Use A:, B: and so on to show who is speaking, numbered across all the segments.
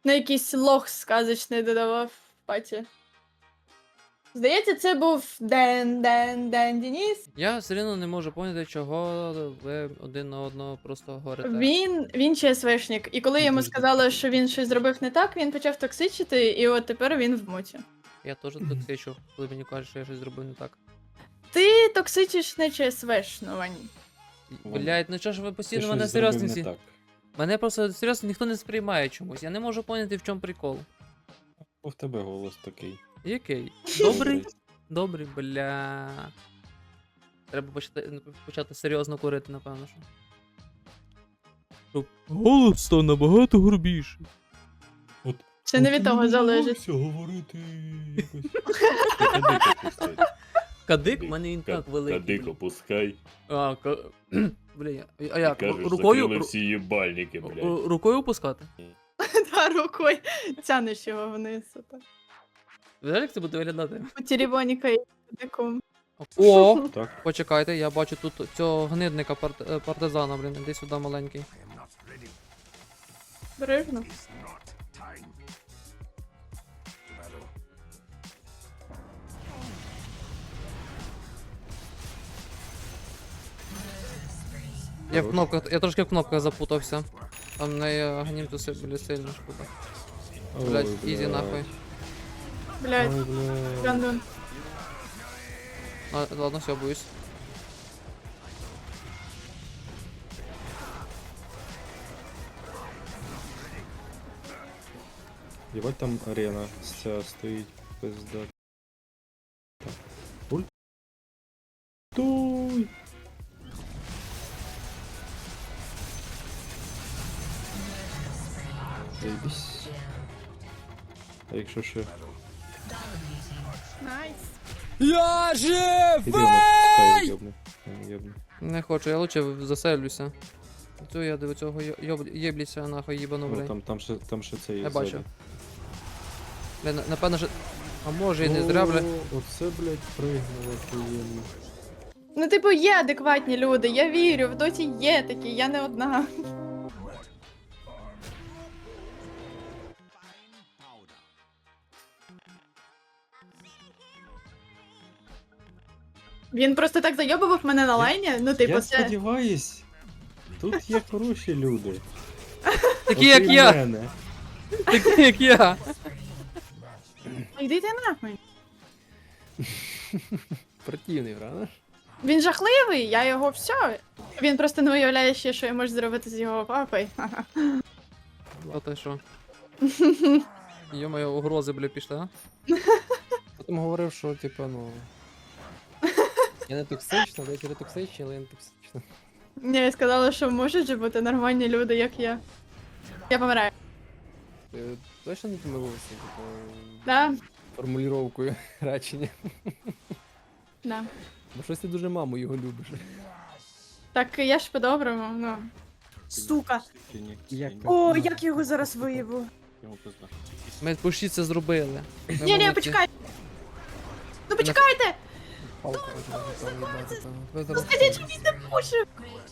A: На якийсь лох сказочний додавав в паті. Здається, це був Ден Деніс.
B: Я все одно не можу поняти, чого ви один на одного просто говорите.
A: Він ЧСВшник. І коли йому сказали, що він щось зробив не так, він почав токсичити, і от тепер він в муті.
B: Я теж токсичу, коли мені кажуть, що я щось зробив не так.
A: Ти токсичиш не ЧСВшно, Вань.
B: Блять, ну чого ж ви
C: Ти
B: постійно
C: щось
B: мене
C: зробив
B: серйозно
C: не
B: всі.
C: так.
B: Мене просто серйозно ніхто не сприймає чомусь. Я не можу поняти, в чому прикол.
C: Бо в тебе голос такий.
B: Який? Добрий? Добрий, бля. Треба почати серйозно курити, напевно, що. Щоб голос став набагато грубіший.
C: От,
A: Це не від того залежить.
C: Все говорити якось. Ти кадик опускай.
B: Кадик? У мене він так великий.
C: Кадик опускай.
B: А, бля, а
C: І
B: як?
C: кажеш,
B: Рукою?
C: закрили всі їбальники, блядь.
B: Рукою опускати?
A: Та рукою тянеш його вниз.
B: Знаєш, як це буде виглядати?
A: У теребоніка і диком.
B: О!
C: Так.
B: Почекайте, я бачу тут цього гнидника партизана, блін, іди сюди маленький.
A: Бережно.
B: Я в кнопках, я трошки в кнопках запутався. Там не гнімтуси були сильно шкода. Блять,
C: Ой,
B: ізі нахуй.
A: Блядь,
C: Ой, блядь.
A: гандон.
B: Ладно, все, боюсь.
C: Єбать там арена вся стоїть, пизда. Так. Ульт. Туй! Заєбісь. А якщо ще...
A: Найс.
B: Я
C: Іди вона пускай йобне. Йобне.
B: Не хочу, я лучше заселюся. Цю я до цього єбліся нахуй їбану,
C: Ну,
B: блядь.
C: там ще це є.
B: Я бачу.
C: ззаді.
B: Бля, напевно, що... А може і не зря, бля.
C: О, оце, блядь, пригнуло приємно.
A: Ну, типу, є адекватні люди, я вірю, в доті є такі, я не одна. Він просто так зайобував мене на лайні, ну, типу,
C: Я
A: це...
C: сподіваюсь, тут є хороші люди.
B: Такі як
C: Окрім
B: я!
C: мене.
B: Такі як я!
A: Йди ти нахуй.
C: Противний, правда?
A: Він жахливий, я його все. Він просто не уявляє ще, що я можу зробити з його папою.
B: А ти що? Йо-моє, угрози, бля, пішли, а?
D: Потім говорив, що типу, ну. Я не токсична, деякі не токсичні, але я не токсична.
A: Я сказала, що можуть же бути нормальні люди, як я. Я помираю.
D: Ти точно не помилився, типу,
A: Да?
D: формулювання речення.
A: Да.
D: Бо щось ти дуже маму його любиш.
A: Так я ж по-доброму, ну. Сука.
D: Як
A: О, як його зараз виїбу.
C: Йому пизда.
B: Ми почти це зробили. Ми
A: Ні,
B: молодці.
A: почекай. Ну почекайте! Скажіть, що він не пушив!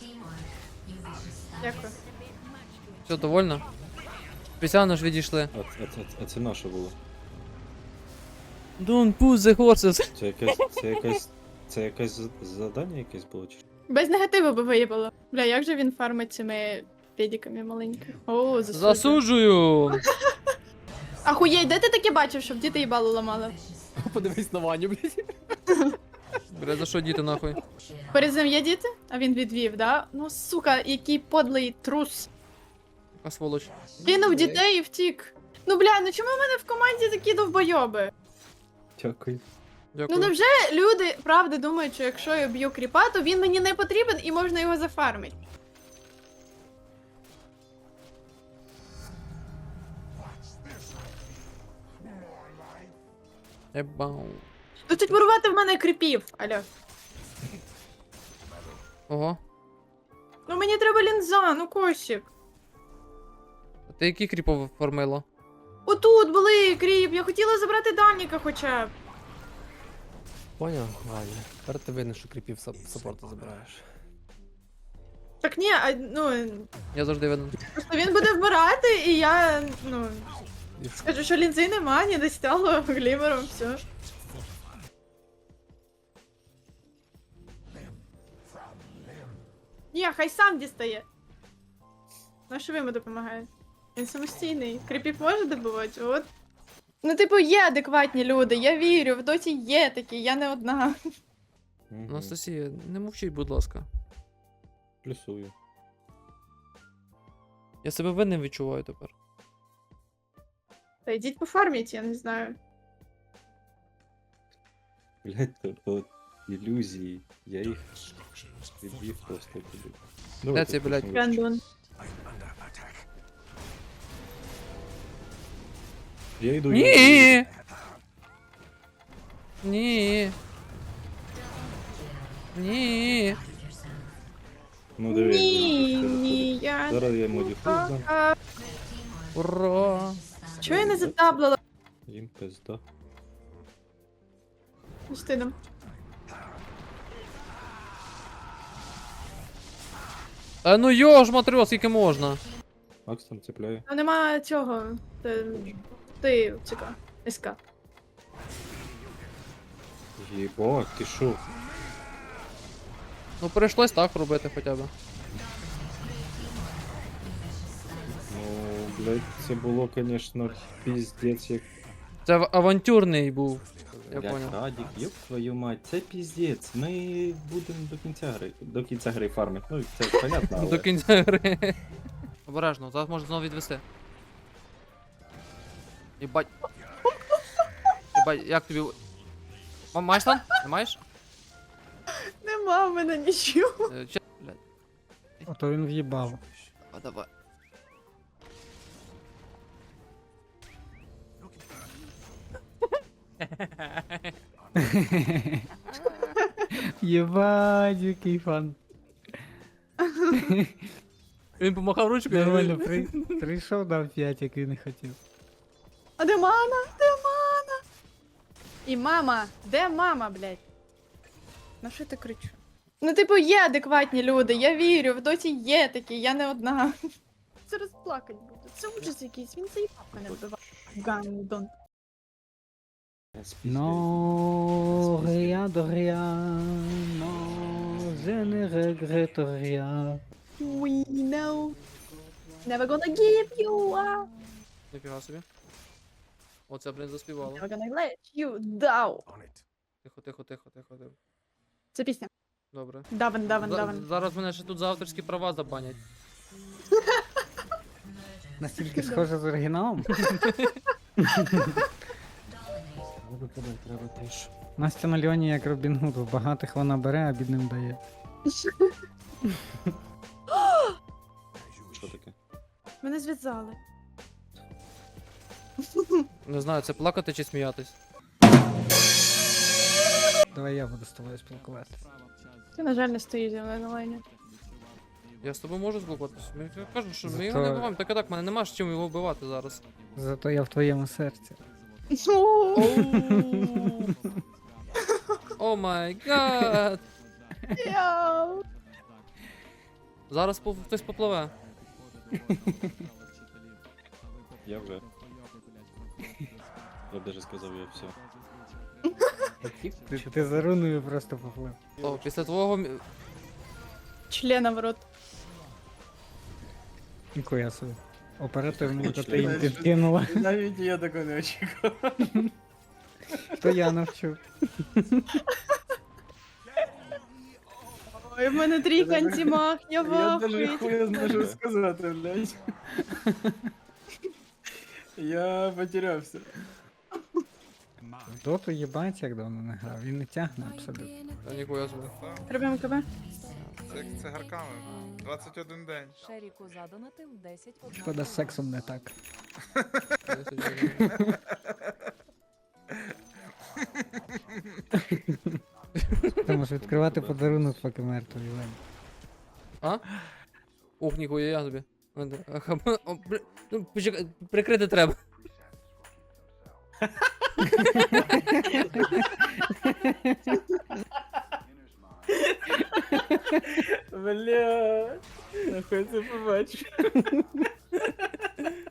A: Дякую.
B: Все, довольно? Спеціально ж відійшли.
C: А це наше було.
B: Don't push the horses.
C: Це якесь завдання якесь було чи?
A: Без негативу би виїбало. Бля, як же він фармить цими педиками маленькими? О, засуджую.
B: Засуджую!
A: Ахуєй, де ти таке бачив, щоб діти їбало ламали?
D: Подивись на Ваню, блядь.
B: Бля, за що діти нахуй?
A: Перед цим є діти? А він відвів, да? Ну, сука, який подлий трус.
B: Яка сволоч.
A: Кинув дітей і втік. Ну, бля, ну чому в мене в команді такі довбойоби?
C: Дякую.
A: Ну
B: Дякую.
A: невже люди правда думають, що якщо я б'ю кріпа, то він мені не потрібен і можна його зафармити?
B: Ебау.
A: Досить мурувати в мене кріпів. Алло.
B: Ого.
A: Ну мені треба лінза, ну косик.
B: А ти які кріпов формила?
A: Отут були кріп, я хотіла забрати Даніка хоча б.
D: Поняв, Ваня. Тепер ти видно, що кріпів саппорту забираєш.
A: Так ні, а, ну,
B: Я завжди видно.
A: просто він буде вмирати, і я, ну, Скажу, що лінзи нема, не достало глімером, все. Ні, хай сам дістає. Ну, а що ви йому допомагаєте? Він самостійний. Кріпів може добувати, от. Ну, типу, є адекватні люди, я вірю, в доті є такі, я не одна.
C: Мгм.
B: Анастасія, не мовчіть, будь ласка.
C: Плюсую.
B: Я себе винним відчуваю тепер.
A: Та йдіть пофарміть, я не знаю.
C: Блять, от ілюзії. Я їх відбив просто туди.
B: Де цей, блядь?
A: Рандон.
C: Я йду.
B: Ні! Ні. Ні.
C: Ну диви.
A: Ні, я...
C: Зараз я йому діфуз дам.
A: А,
B: Ура!
A: чого я не затаблила?
C: Їм пизда.
A: Стидом.
B: А ну йош, матрьос, скільки можна?
C: Макс там цепляє.
A: Там нема цього. Ти, цика, СК.
C: Єбать, ти шо?
B: Ну прийшлось так робити хоча б.
C: Ну, блядь, це було, конечно, піздець як.
B: Це авантюрний був. Я
C: Блядь,
B: понял.
C: Радік, ёб твою мать, це піздець. Ми будемо до кінця гри фармити. Ну, це понятно, але...
B: До кінця гри. Обережно, зараз можна знову відвести. Єбать. Єбать, як тобі. Маєш там? Не маєш?
A: Нема в мене нічого.
B: Блядь.
D: Ото він в'їбав.
B: А давай.
E: Єбать, який фан.
B: Він помахав ручкою.
E: Нормально, прийшов, дав 5, як він і хотів.
A: А де мама? Де мама? І мама. Де мама, блядь? На що ти кричу? Ну, типу, є адекватні люди, я вірю, в доті є такі, я не одна. Це розплакать буде. Це ужас якийсь, він заїбав мене вбивав. Гандон.
E: Non, rien de rien, non, je ne regrette rien.
A: We know. Never gonna give you up.
B: Ніфіга собі. Оце, блін, заспівало.
A: Never gonna let you down.
B: Тихо, тихо, тихо, тихо, тихо.
A: Це пісня.
B: Добре.
A: Давен, давен, давен.
B: Зараз мене ще тут за авторські права забанять.
E: Настільки схоже з оригіналом.
C: Треба теж.
E: Настя на Льоні як Робін Гуд, в багатих вона бере, а бідним дає.
C: Що таке?
A: Мене зв'язали.
B: Не знаю, це плакати чи сміятись.
E: Давай я буду з тобою спілкуватися.
A: Ти, на жаль, не стоїш зі мною на лайні.
B: Я з тобою можу спілкуватися. Я кажу, що ми його
E: Зато-
B: не вбиваємо. Так і так, мене нема з чим його вбивати зараз.
E: Зато я в твоєму серці.
B: О май гад!
A: Яу.
B: Зараз хтось попливе.
C: Я вже. Я б даже сказав, я все.
E: Ти за руною просто поплив.
B: О, після твого.
A: Члена в рот.
E: Ніхуя собі. Оперативно, то
C: Член.
E: ти їм підкинула.
F: Навіть я такого не очікував.
E: То я навчу.
A: Ой, в мене трійка антимах, я
F: Я даже
A: вахуй.
F: хуя зможу сказати, блядь. Я потерявся.
E: В доту їбать, як давно не грав. Він не тягне абсолютно.
B: Та ніхуя собі.
A: Робимо КБ.
G: Це цигарками. 21 день.
H: Шеріку задонатив 10
E: Шкода, з сексом не так. Ти можеш відкривати подарунок, поки мертвий Лень.
B: А? Ух, ніхуя я собі. О, ну, почекай, прикрити треба.
F: Блядь. Нахуй це побачив.